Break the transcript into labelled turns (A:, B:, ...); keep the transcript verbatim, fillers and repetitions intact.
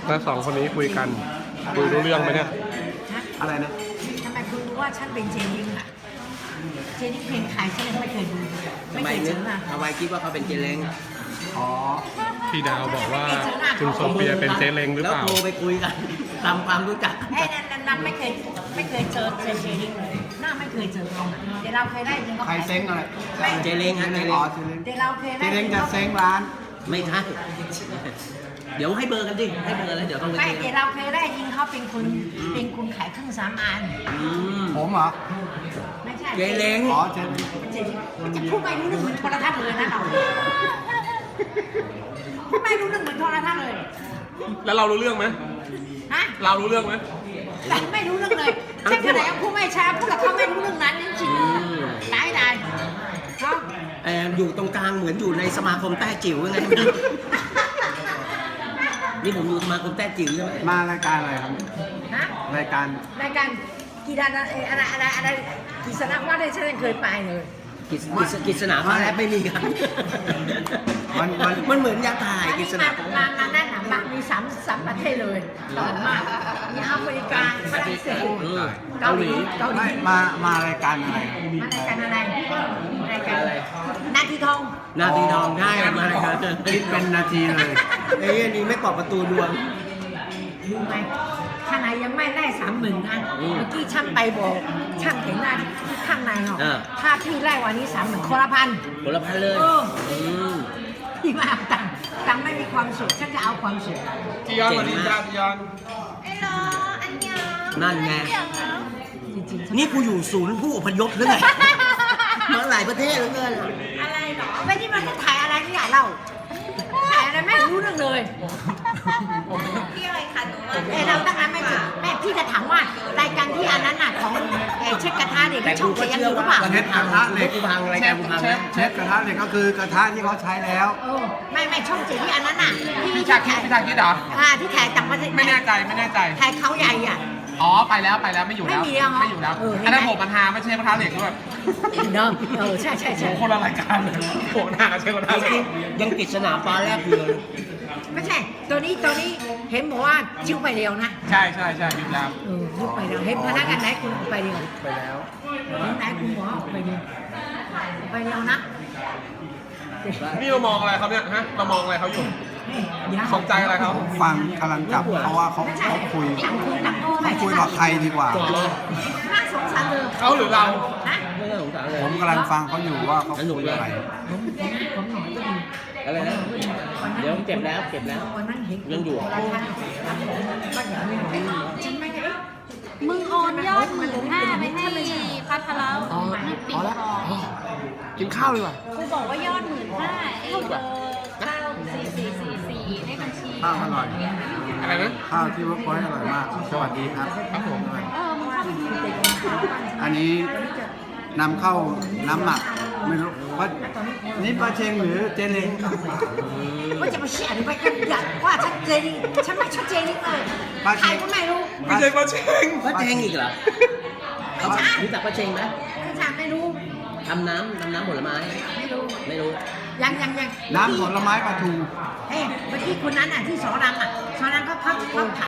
A: แล้วสองคนนี้คุยกันคุยรู้เรื่องไหมเนี่ย
B: อะไรนะ
C: ทำไมคุณรู้ว่าฉันเป็นเจนิงอ่ะเจนิงเพลงขายฉันยังไม่เคยดูไม่
B: ทำไม
C: เคย
B: นึ
C: เจ
B: ก
C: ออ่ะ
B: ทำไมคิดว่าเขาเป็นเจเล้ง
D: อ๋อ
A: พี่ดาวบอกว่าคุณโซเฟียเป็นเจ๊เล้งหรือ
B: แล้ว
A: เปล่า
B: โทรไปคุยกันทำความรู้จัก
C: ไอ้นั่นนั่นไม่เคยไม่เคยเจอเจเจนิงเลยหน้าไม่เคยเจอเขาเดี๋ยวเราเคยได้ยินเขา
D: ใครเซ้งอะไร
B: เจเล้งฮะเจ
D: เจ
B: เล้
D: เล้
B: ง
D: งอ๋อเจเล้ง
C: เดี๋ยวเราเคย
D: เจ
C: ได้
D: เล้ง
C: ยิน
D: จะ
C: เขา
D: เซ้งร้าน
B: ไม่ใช่เดี๋ยวให้เบอร์กันดิให้เบอร์แล้วเดี๋ยวต้องไป
C: ไม่
B: คุย
C: เดี๋ยวเราเคยได้ยินเขาเป็นคนเป็นคนขายเครื่องสำอาง
B: อืม
D: ผมเหรอ
C: ไม่ใช่
B: เจเล้ง
D: อ๋อเจเล้ง
C: เจนิงจะพูดไม่รู้เรื่องเหมือนโทรทัศน์เลยนะเราพูดไม่รู้เรื่องเหมือนโทรทัศน์เลย
A: แล้วเรารู้เรื่องไหม
C: ฮะ
A: เรารู้เรื่องไหม
C: แต่ไม่รู้เรื่องเลยใช่ขนาดยังพูดไม่ช้าพูดกับเขาไม่รู้เรื่องนั้นจริงๆได้ได้เขา
B: แอมอยู่ตรงกลางเหมือนอยู่ในสมาคมแต้จิ๋วยังไง นี่ผมอยู่สมาคมแต้จิ๋วใช่ไหม
D: มารายการอะไรครับ
C: ฮะ
D: รายการ
C: รายการกีฬาอะไรอะไรอะไรกีฬาว่าได้ฉันยังเคยไปเลย
B: กิจกิจกิจสนาฟ้าแลบไม่มีครับ
D: มันมัน
B: มันเหมือนยาถ่าย
C: อัน
B: กิ
C: นี้
B: จส
C: มา
B: นาฟ้าแล
C: มา
B: บ
C: มาแน่นหนามามีสามสามประเทศเลยต่อมากมีแอฟริกาฝรั่งเศสเกาหลีเกาหลี
D: ไม่มามารายการอะไรครับ
C: มารายการอะไรรายการนาทีทอง
B: นาทีทองใช่มาครับ
D: คิดเป็นนาทีเลย
B: ไอ้นี่ไม่ปอกประตูดวง
C: รู้ไหมข้างในยังไม่ได้สามหมื่นนะ
B: อืม
C: เมื่อกี้ช่างไปบอกช่างเห็นหน้าที่ข้างในเหรอ
B: อ่า
C: ถ้าพี่ไล่วันนี้สามหมื่นคนละพัน
B: ผลพันเลย
C: เออ
B: อืม
C: พี่มาเอาตังค์ตังค์ไม่มีความสุขฉันจะเอาความสุข
A: จียอนสวัสดีจ้าจียอน
B: นั่นไง
C: จริงๆฉั
B: นี่กูอยู่ศูนย์ผู้อพยพหรือไง มาหลายประเทศเหลือเกิน
C: อะไรเหรอไม่ที่มันจะถ่ายอะไรที่ใหญ่เล่าถ่ายอะไรไม่รู้เรื่องเลย
E: พี่อะไรคะหนู
C: เอ้เราตั้งนั้นไม่ถึงแม่พี่จะถามว่ารายการที่อันนั้นน่ะของเอ่อเช็คกระทะเด็ก
B: แต่
C: ช่
B: กู
C: อง
B: ก็
C: เสียง
B: เชื่
C: อ
B: อยู่
C: หรือ
B: ว่า
C: เปล่า
D: เชฟกระทะเหล็ก
B: กูพังรายการกูพังนะ
D: เชฟกระทะเหล็กก็คือกระทะที่เขาใช้แล้ว
C: เออไม่ไม่ช่องเสียงที่อันนั้นน่ะที่
A: พี่ชาคิดพี่ชาคิดเหรอ
C: อ่าที่ถ่ายต่างประเทศ
A: ไม่แน่ใจไม่แน่ใจ
C: ถ่ายเขาใหญ่อ่ะ
A: อ๋อไปแล้วไปแล้วไม่อยู่แล้ว
C: ไม่มีแล้วเหรอ
A: ไม่อยู่แล้ว
C: เออเห็นไหม
A: อันนั้นโผล่ปัญหาไม่ใช่ปัญหาเหล็กด้วย
C: เนาะเออใช่ใช่ใช่
A: โอ้คนละรายการเลยโผล่หน้ากับเชฟปัญหาเหล็ก
B: ยังกิจสนาฟ้าแลบอยู่เลย
C: ไม่ใช่ตัวนี้ตัวนี้เห็นบอกว่าชิ้วไปเร็วนะ
A: ใช่ใช่ใช่อยู่แล้ว
C: เออยุบไปเร็วเห็นพนักงานไหนคุณออกไปเร็ว
D: ไปแล้ว
C: เห็นไหนคุณบอกว่าออกไปเร็วออกไปเร็วนะ
A: นี่เรามองอะไรเขาเนี่ยฮะเรามองอะไรเขาอยู่
C: เดี๋ยว
A: สนใจอะไรเขา
D: ผมฟังกำลังจับเพราะว่าเขา
C: ไม่ใช่
D: เขาคุย
C: หลังคุยหลังโต้ไม่
D: เขาคุยกับใครดีกว่า
C: น่าสงสารเธอ
A: เขาหรือเรา
C: นะ
B: ไม่ต้องสงสารเลย
D: ผมกำลังฟังเขาอยู่ว่าเขาคุยอะไร
C: ผมผมผมหน่อยก็ดี
B: อะไรนะ เดี๋ยวเก็บแล้วเก็บแล้ว
C: วันนั้นเห็น
B: ยังอยู่
C: ราคาครับผมก็อย่างนี้จริงไหมเนี่ย
E: มึงโอนยอดหมื่นห้าไปให้พัทรแล้ว
D: อ๋อ
E: ปิ
D: พ
E: ด
D: อแล้ว
E: ทอง
D: กินข้าวดีกว่า
E: กูบอกว่ายอดหมื่นห้าไอ้เบอร์เก้าสี่สี่สี่สี่เลขบัญชี
D: ข้าวอร่อย
A: อะไรนะ
D: ข้าวที่เวิร์กพอยต์อร่อยมาก สวัสดีครับ
A: ครับผม
E: เออมึงเข้าไปดู
D: อันนี้นำเข้าน้ำหมักไม่รู้ว่านี่ปลาเชงหรือเจเล้ง
C: ว่าจะมาเชี่ยหรือไปกันอยากว่าชัดเจนฉันไม่ชัดเจนเลยใครก็ไม่รู้
A: ไม่ใช่ปลาเชง
B: ป้าเจงอีกเหรอ
C: ไม่ใช่
B: รู้จักป้าเจงไหม
C: ไม่ใช่ไม่รู้
B: ทำน้ำทำน้ำผลไม้
C: ไม่รู้
B: ไม่รู้
C: ยังยังยัง
D: น้ำผลไม้ปลาทู
C: เฮ้ยเมื่อกี้คนนั้นอ่ะที่สอนรามอ่ะสอนรามเขาเขาเขา